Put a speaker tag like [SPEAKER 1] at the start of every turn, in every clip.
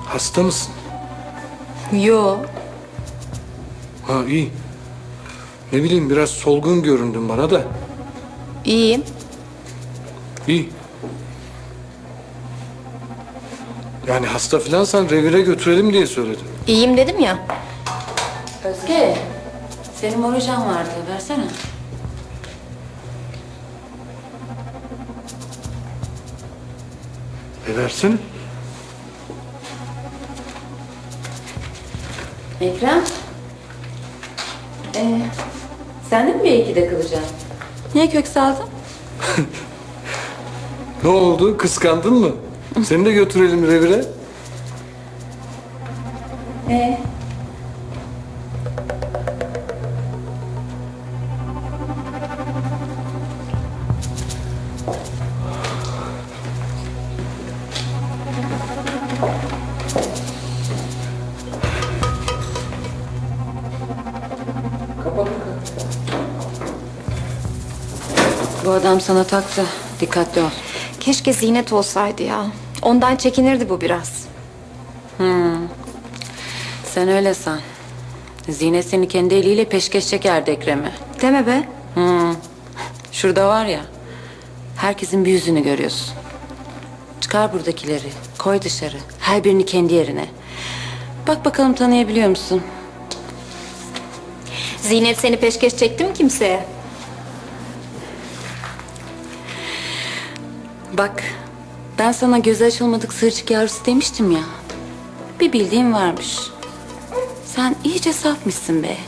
[SPEAKER 1] Hasta mısın?
[SPEAKER 2] Yo.
[SPEAKER 1] Ha iyi. Ne bileyim biraz solgun göründün bana da.
[SPEAKER 2] İyiyim.
[SPEAKER 1] İyi. Yani hasta filansan revire götürelim diye söyledim.
[SPEAKER 2] İyiyim dedim ya.
[SPEAKER 3] Özge, senin morujan vardı. Versene.
[SPEAKER 1] Versene.
[SPEAKER 3] Ekrem. Sen de mi bir ikide kalacaksın? Niye kök saldın?
[SPEAKER 1] Ne oldu? Kıskandın mı? Seni de götürelim revire.
[SPEAKER 3] Bu adam sana taktı. Dikkatli ol.
[SPEAKER 2] Keşke Zinet olsaydı ya. Ondan çekinirdi bu biraz.
[SPEAKER 3] Sen öyle san. Zinet seni kendi eliyle peşkeş çekerdi Ekrem'e.
[SPEAKER 2] Deme be.
[SPEAKER 3] Şurada var ya, herkesin bir yüzünü görüyorsun. Çıkar buradakileri, koy dışarı. Her birini kendi yerine. Bak bakalım tanıyabiliyor musun?
[SPEAKER 2] Zinet seni peşkeş çekti mi kimseye?
[SPEAKER 3] Bak, ben sana gözü açılmadık sığırcık yavrusu demiştim ya. Bir bildiğin varmış. Sen iyice safmışsın be.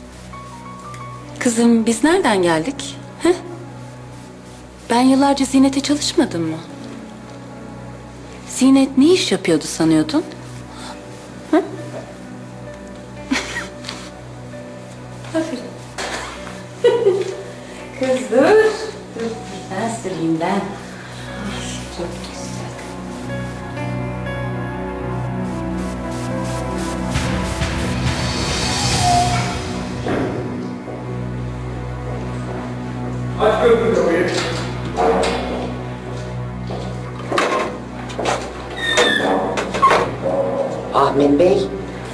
[SPEAKER 3] Kızım, biz nereden geldik? He? Ben yıllarca Zinet'e çalışmadım mı? Zinet ne iş yapıyordu sanıyordun? Hı? Aferin. Kız dur. Dur, ben süreyim ben. Çok güzel.
[SPEAKER 1] Aç gözünü kapıyı.
[SPEAKER 4] Ahmet Bey.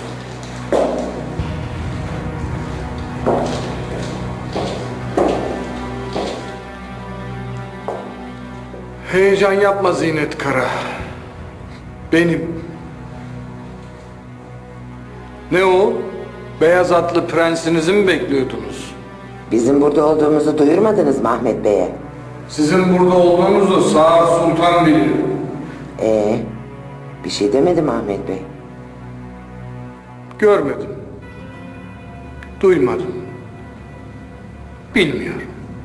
[SPEAKER 1] Heyecan yapma Zinet Kara. Benim. Ne o? Beyaz atlı prensinizi mi bekliyordunuz?
[SPEAKER 4] Bizim burada olduğumuzu duyurmadınız mı Ahmet Bey'e?
[SPEAKER 1] Sizin burada olduğunuzu Sağır Sultan bilir.
[SPEAKER 4] Bir şey demedim Ahmet Bey.
[SPEAKER 1] Görmedim. Duymadım. Bilmiyorum.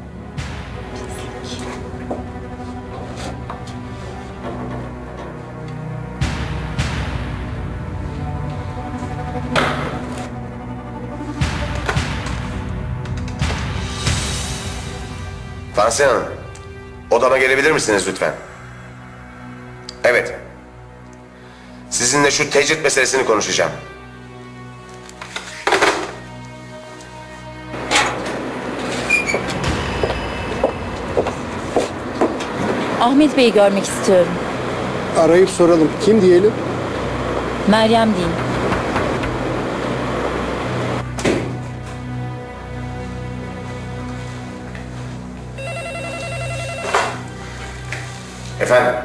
[SPEAKER 5] Tansiyon Hanım, odama gelebilir misiniz lütfen? Evet. Sizinle şu tecrit meselesini konuşacağım.
[SPEAKER 6] Ahmet Bey'i görmek istiyorum.
[SPEAKER 7] Arayıp soralım. Kim diyelim?
[SPEAKER 6] Meryem deyin.
[SPEAKER 5] Efendim?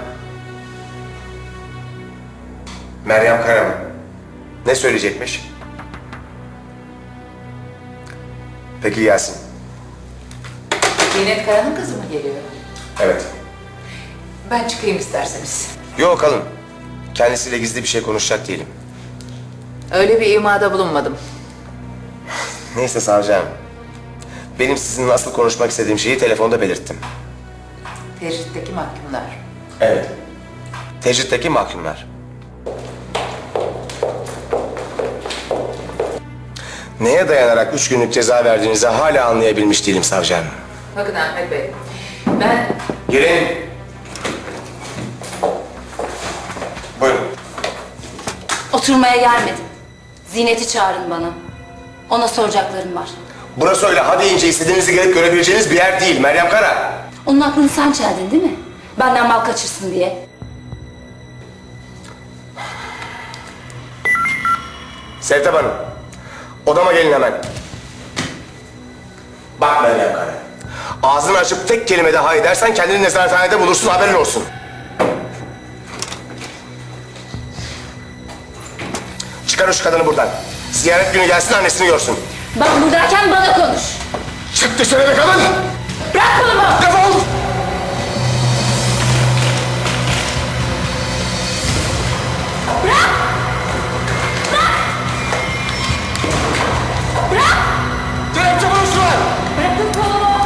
[SPEAKER 5] Meryem Kara mı? Ne söyleyecekmiş? Peki gelsin.
[SPEAKER 3] Zinet Kara'nın kızı mı geliyor?
[SPEAKER 5] Evet.
[SPEAKER 3] Ben çıkayım isterseniz.
[SPEAKER 5] Yok kalın. Kendisiyle gizli bir şey konuşacak değilim.
[SPEAKER 3] Öyle bir imada bulunmadım.
[SPEAKER 5] Neyse savcı hanım. Benim sizinle asıl konuşmak istediğim şeyi telefonda belirttim.
[SPEAKER 3] Tecritteki mahkumlar.
[SPEAKER 5] Evet. Tecritteki mahkumlar. Neye dayanarak 3 günlük ceza verdiğinizi hala anlayabilmiş değilim savcı hanım.
[SPEAKER 3] Bakın Ahmet Bey, ben...
[SPEAKER 5] Girin. Buyurun.
[SPEAKER 2] Oturmaya gelmedim. Zinet'i çağırın bana. Ona soracaklarım var.
[SPEAKER 5] Burası öyle hadi ince istediğinizi gelip görebileceğiniz bir yer değil Meryem Kara.
[SPEAKER 2] Onun aklını sen çeldin değil mi? Benden mal kaçırsın diye.
[SPEAKER 5] Sevtap Hanım, odama gelin hemen. Bak Meryem Kara, ağzını açıp tek kelime daha edersen kendini nezarethanede bulursun, haberin olsun. Çıkar şu kadını buradan. Ziyaret günü gelsin, annesini görsün.
[SPEAKER 6] Ben buradayken bana konuş.
[SPEAKER 5] Çık dışarı be kadın!
[SPEAKER 6] Bırak kolumu.
[SPEAKER 5] Defol! Kelepçe buluştular!
[SPEAKER 6] Bırakın kolumu.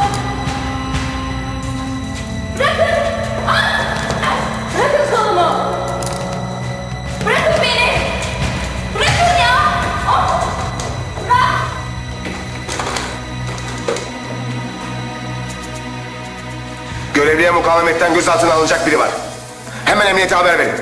[SPEAKER 6] Bırakın. Bırakın kolumu. Bırakın beni. Bırakın ya. Bırak.
[SPEAKER 5] Görevliye mukavemetten gözaltına alınacak biri var. Hemen emniyete haber verin.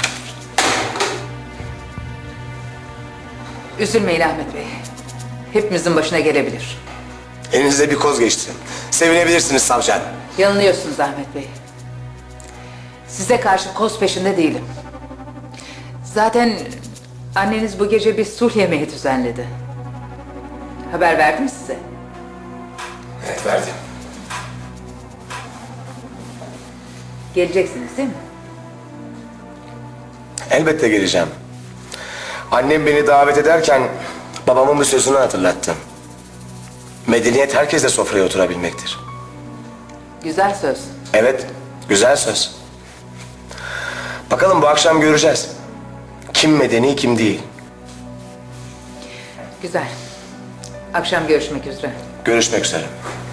[SPEAKER 8] Üzülmeyin Ahmet Bey. Hepimizin başına gelebilir.
[SPEAKER 5] Elinize bir koz geçti. Sevinebilirsiniz savcı hanım.
[SPEAKER 8] Yanılıyorsunuz Ahmet Bey. Size karşı koz peşinde değilim. Zaten anneniz bu gece bir sulh yemeği düzenledi. Haber verdi mi size?
[SPEAKER 5] Evet, verdim.
[SPEAKER 8] Geleceksiniz değil mi?
[SPEAKER 5] Elbette geleceğim. Annem beni davet ederken babamın bir sözünü hatırlattı. Medeniyet herkesle sofraya oturabilmektir.
[SPEAKER 8] Güzel söz.
[SPEAKER 5] Evet, güzel söz. Bakalım bu akşam göreceğiz. Kim medeni, kim değil.
[SPEAKER 8] Güzel. Akşam görüşmek üzere.
[SPEAKER 5] Görüşmek üzere.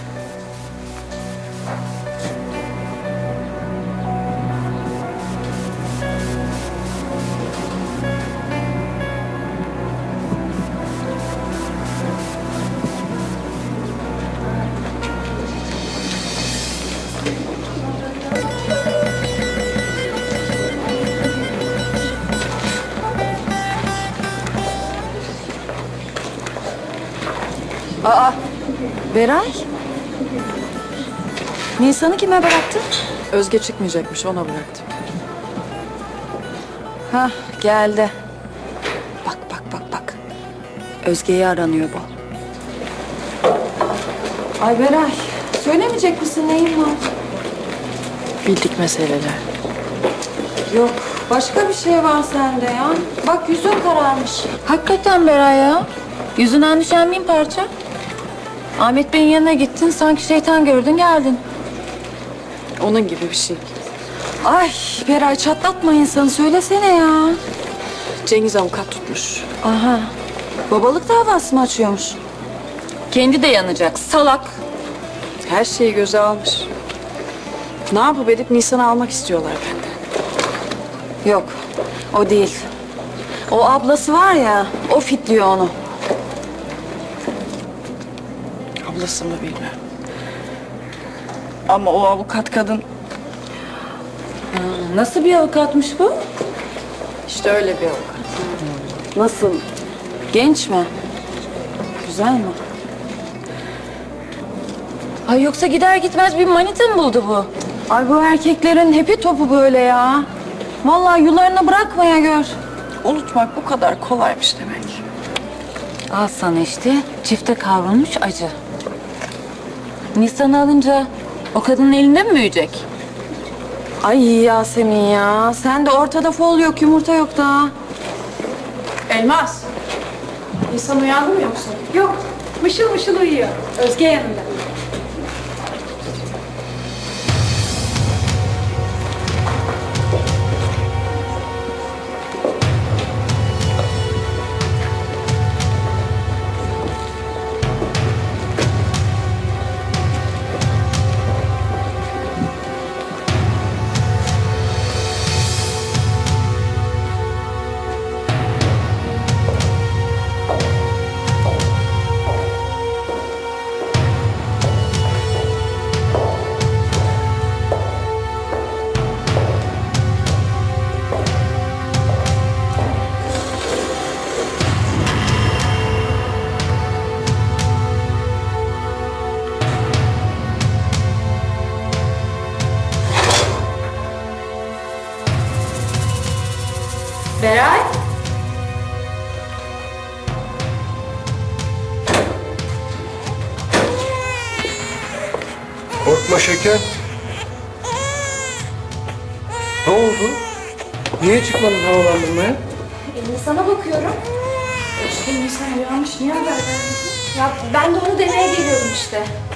[SPEAKER 9] Beray? Nisan'ı kime bıraktın?
[SPEAKER 10] Özge çıkmayacakmış, ona bıraktım.
[SPEAKER 9] Hah, geldi. Bak, bak, bak, bak. Özge'yi aranıyor bu. Ay Beray, söylemeyecek misin neyin var?
[SPEAKER 10] Bildik meseleler.
[SPEAKER 9] Yok, başka bir şey var sende ya. Bak yüzün kararmış.
[SPEAKER 6] Hakikaten Beray ya. Yüzünden düşen bin parça. Ahmet Bey'in yanına gittin, sanki şeytan gördün geldin.
[SPEAKER 10] Onun gibi bir şey.
[SPEAKER 9] Ay Beray çatlatma insanı, söylesene ya.
[SPEAKER 10] Cengiz avukat tutmuş.
[SPEAKER 9] Aha, babalık davası mı açıyormuş?
[SPEAKER 6] Kendi de yanacak, salak.
[SPEAKER 10] Her şeyi göze almış. Ne yapıp edip Nisan'ı almak istiyorlar benden.
[SPEAKER 9] Yok, o değil. O ablası var ya, o fitliyor onu.
[SPEAKER 10] Ablası mı bilmem. Ama o avukat kadın
[SPEAKER 6] Nasıl bir avukatmış bu?
[SPEAKER 10] işte öyle bir avukat.
[SPEAKER 9] Nasıl? Genç mi? Güzel mi?
[SPEAKER 6] Ay yoksa gider gitmez bir manita mı buldu bu?
[SPEAKER 9] Ay bu erkeklerin hepi topu böyle ya. Vallahi yularını bırakmaya gör.
[SPEAKER 10] Unutmak bu kadar kolaymış demek.
[SPEAKER 6] Al sana işte çifte kavrulmuş acı. Nisan'ı alınca o kadının elinde mi büyüyecek?
[SPEAKER 9] Ay Yasemin ya. Sen de ortada fol yok, yumurta yok daha.
[SPEAKER 10] Elmas. Nisan uyandı mı yoksa?
[SPEAKER 9] Yok. Mışıl mışıl uyuyor. Özge yanında.
[SPEAKER 1] Korkma şeker. Ne oldu? Niye çıkmadın havalandırmaya?
[SPEAKER 2] Nisan'a bakıyorum.
[SPEAKER 10] Nisan uyanmış. Niye haber vermedin?
[SPEAKER 2] Ya ben de onu demeye geliyordum işte.